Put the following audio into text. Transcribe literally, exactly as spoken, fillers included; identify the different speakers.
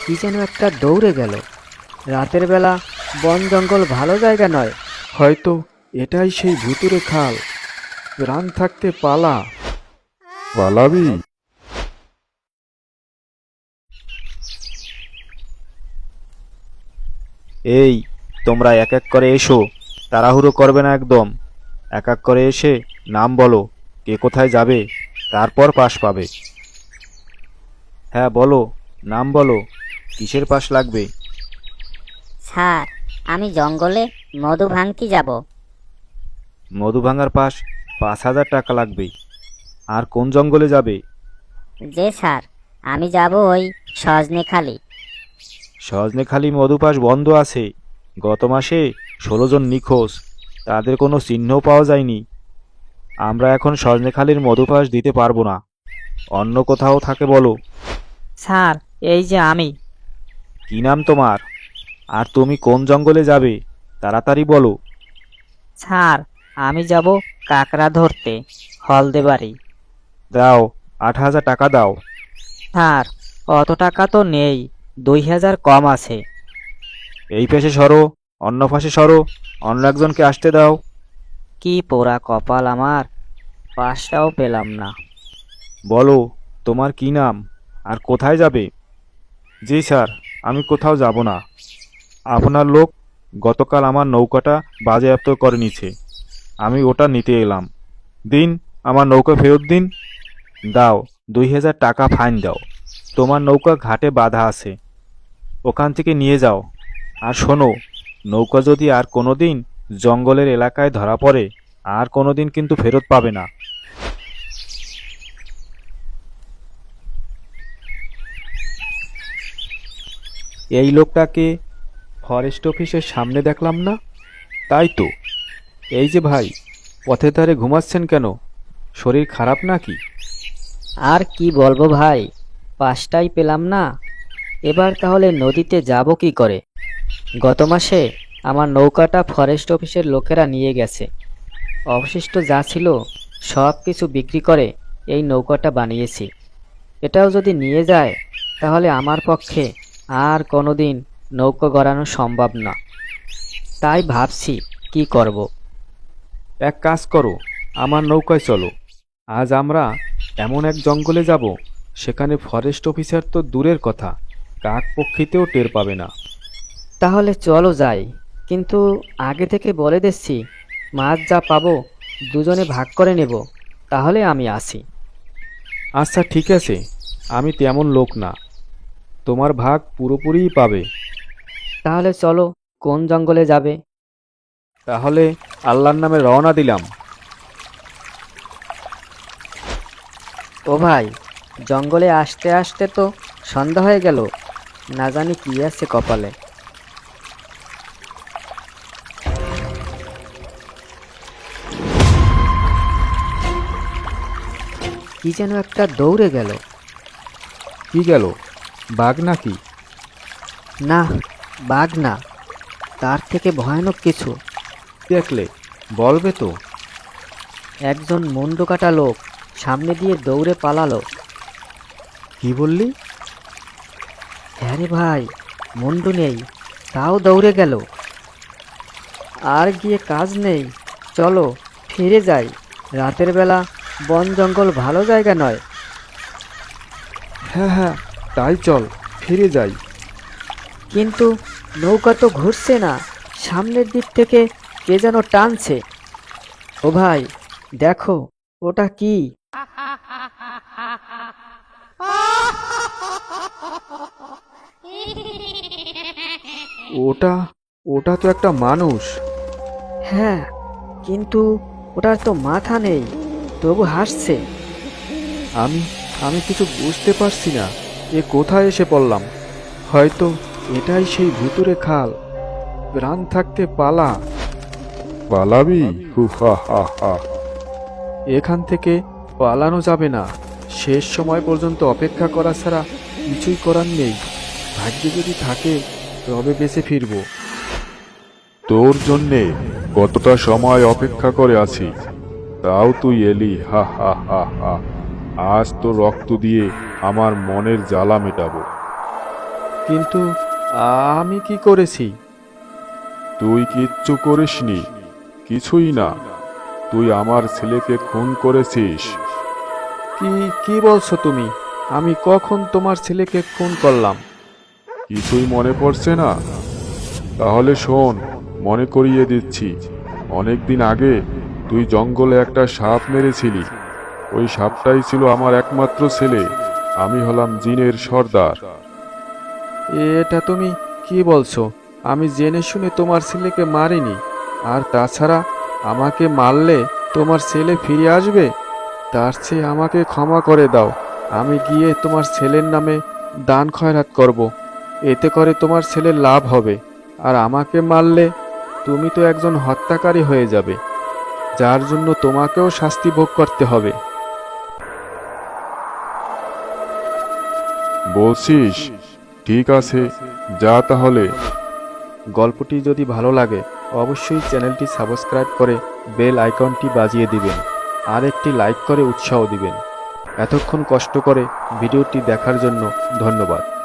Speaker 1: কি যেন একটা দৌড়ে গেল। রাতের বেলা বন জঙ্গল ভালো জায়গা নয়।
Speaker 2: হয়তো এটাই সেই ভুতুড়ে খাল। প্রাণ থাকতে পালা।
Speaker 3: পালাবি?
Speaker 4: এই, তোমরা এক এক করে এসো, তাড়াহুড়ো করবে না একদম। এক এক করে এসে নাম বলো, কে কোথায় যাবে, তারপর পাস পাবে। হ্যাঁ বলো, নাম বলো, কিসের পাস লাগবে?
Speaker 5: স্যার, আমি জঙ্গলে মধু ভাঙতে যাব।
Speaker 4: মধু ভাঙার পাস পাঁচ হাজার টাকা লাগবে। আর কোন জঙ্গলে যাবে?
Speaker 5: যে স্যার, আমি যাব ওই সজনেখালি।
Speaker 4: সজনেখালি মধু পাস বন্ধ আছে। গত মাসে ষোলো জন নিখোঁজ, তাদের কোনো চিহ্নও পাওয়া যায়নি। আমরা এখন সজনেখালির মধু পাস দিতে পারবো না। অন্য কোথাও থাকে বলো।
Speaker 1: স্যার, এই যে আমি।
Speaker 4: কি নাম তোমার? আর তুমি কোন জঙ্গলে যাবে, তাড়াতাড়ি বলো।
Speaker 1: স্যার, আমি যাব কাকড়া ধরতে, হলদে বাড়ি।
Speaker 4: দাও, আট হাজার টাকা দাও।
Speaker 1: স্যার, অত টাকা তো নেই, দুই হাজার কম আছে।
Speaker 4: এই পাশে সরো, অন্য পাশে সরো, অন্য একজনকে আসতে দাও।
Speaker 1: কি পোড়া কপাল আমার, পাসটাও পেলাম না।
Speaker 4: বলো, তোমার কি নাম আর কোথায় যাবে? জি স্যার, আমি কোথাও যাব না। আপনার লোক গতকাল আমার নৌকাটা বাজেয়াপ্ত করে নিছে, আমি ওটা নিতে এলাম। দিন, আমার নৌকা ফেরত দিন। দাও, দুই হাজার টাকা ফাইন দাও। তোমার নৌকা ঘাটে বাঁধা আছে, ওখান থেকে নিয়ে যাও। আর শোনো, নৌকা যদি আর কোনো দিন জঙ্গলের এলাকায় ধরা পড়ে, আর কোনো দিন কিন্তু ফেরত পাবে না।
Speaker 2: এই লোকটাকে ফরেস্ট অফিসের সামনে দেখলাম না? তাই তো। এই যে ভাই, পথের ধারে ঘুমাচ্ছেন কেন? শরীর খারাপ নাকি?
Speaker 1: আর কি বলবো ভাই, পাসটাই পেলাম না। এবার তাহলে নদীতে যাব কি করে? গত মাসে আমার নৌকাটা ফরেস্ট অফিসের লোকেরা নিয়ে গেছে। অবশিষ্ট যা ছিল সব কিছু বিক্রি করে এই নৌকাটা বানিয়েছি। এটাও যদি নিয়ে যায়, তাহলে আমার পক্ষে আর কোনোদিন নৌকা গড়ানো সম্ভব না। তাই ভাবছি কি করব।
Speaker 2: এক কাজ করো, আমার নৌকায় চলো। আজ আমরা এমন এক জঙ্গলে যাব, সেখানে ফরেস্ট অফিসার তো দূরের কথা, কাক পক্ষীতেও টের পাবে না।
Speaker 1: তাহলে চলো যাই, কিন্তু আগে থেকে বলে দিচ্ছি, মাছ যা পাবো দুজনে ভাগ করে নেব। তাহলে আমি আসি।
Speaker 2: আচ্ছা ঠিক আছে, আমি তেমন লোক না, তোমার ভাগ পুরোপুরিই পাবে।
Speaker 1: তাহলে চলো, কোন জঙ্গলে যাবে?
Speaker 2: তাহলে আল্লাহর নামে রওনা দিলাম।
Speaker 1: ও ভাই, জঙ্গলে আসতে আসতে তো সন্ধ্যা হয়ে গেল, না জানি কি আছে কপালে। কি যেন একটা দৌড়ে গেল।
Speaker 2: কি গেল, বাঘ নাকি?
Speaker 1: না, বাঘ না, তার থেকে ভয়ানক কিছু।
Speaker 2: দেখলে বলবে তো।
Speaker 1: একজন মুন্ডু কাটা লোক সামনে দিয়ে দৌড়ে পালালো।
Speaker 2: কি বললি?
Speaker 1: হ্যাঁ রে ভাই, মুন্ডু নেই, তাও দৌড়ে গেল। আর গিয়ে কাজ নেই, চলো ফিরে যাই। রাতের বেলা বন জঙ্গল ভালো জায়গা নয়।
Speaker 2: হ্যাঁ হ্যাঁ, তাই চল, ফিরে যাই।
Speaker 1: কিন্তু নৌকা তো ঘুরছে না, সামনের দিক থেকে কে যেন টানছে। ও ভাই, দেখো ওটা কি?
Speaker 2: ওটা ওটা তো একটা মানুষ।
Speaker 1: হ্যাঁ, কিন্তু ওটার তো মাথা নেই, তবু হাসছে।
Speaker 2: আমি আমি কিছু বুঝতে পারছি না, এ কোথায় এসে পড়লাম। হয়তো এটাই সেই ভুতুড়ে খাল। প্রাণ থাকতে পালা।
Speaker 3: পালাবি? হু হা হা হা।
Speaker 2: এখান থেকে পালানো যাবে না, শেষ সময় পর্যন্ত অপেক্ষা করা ছাড়া কিছুই করার নেই। ভাগ্যে যদি থাকে তবে বেঁচে ফিরবো।
Speaker 3: তোর জন্যে কতটা সময় অপেক্ষা করে আছি, তাও তুই এলি। হা হা হা হা। আজ তো রক্ত দিয়ে আমার মনের জ্বালা মেটাবো।
Speaker 2: কিন্তু আমি কি করেছি?
Speaker 3: তুই কিচ্ছু করিসনি, কিছুই না। তুই আমার ছেলেকে খুন করেছিস।
Speaker 2: কি কি বলছো তুমি? আমি কখন তোমার ছেলেকে খুন করলাম?
Speaker 3: কিছুই মনে পড়ছে না? তাহলে শোন, মনে করিয়ে দিচ্ছি। অনেকদিন আগে তুই জঙ্গলে একটা সাপ মেরেছিলি। ওই সাপটাই ছিল আমার একমাত্র ছেলে। আমি হলাম জিনের সর্দার।
Speaker 2: এটা তুমি কি বলছো? আমি জেনে শুনে তোমার ছেলেকে মারিনি। আর তাছাড়া আমাকে মারলে তোমার ছেলে ফিরে আসবে? তার চেয়ে আমাকে ক্ষমা করে দাও। আমি গিয়ে তোমার ছেলের নামে দান খয়রাত করব। এতে করে তোমার ছেলের লাভ হবে। আর আমাকে মারলে তুমি তো একজন হত্যাকারী হয়ে যাবে, যার জন্য তোমাকেও শাস্তি ভোগ করতে হবে।
Speaker 3: বলছিস? ঠিক আছে, যা তাহলে।
Speaker 2: গল্পটি যদি ভালো লাগে অবশ্যই চ্যানেলটি সাবস্ক্রাইব করে বেল আইকনটি বাজিয়ে দিবেন আর একটি লাইক করে উৎসাহ দিবেন। এতক্ষণ কষ্ট করে ভিডিওটি দেখার জন্য ধন্যবাদ।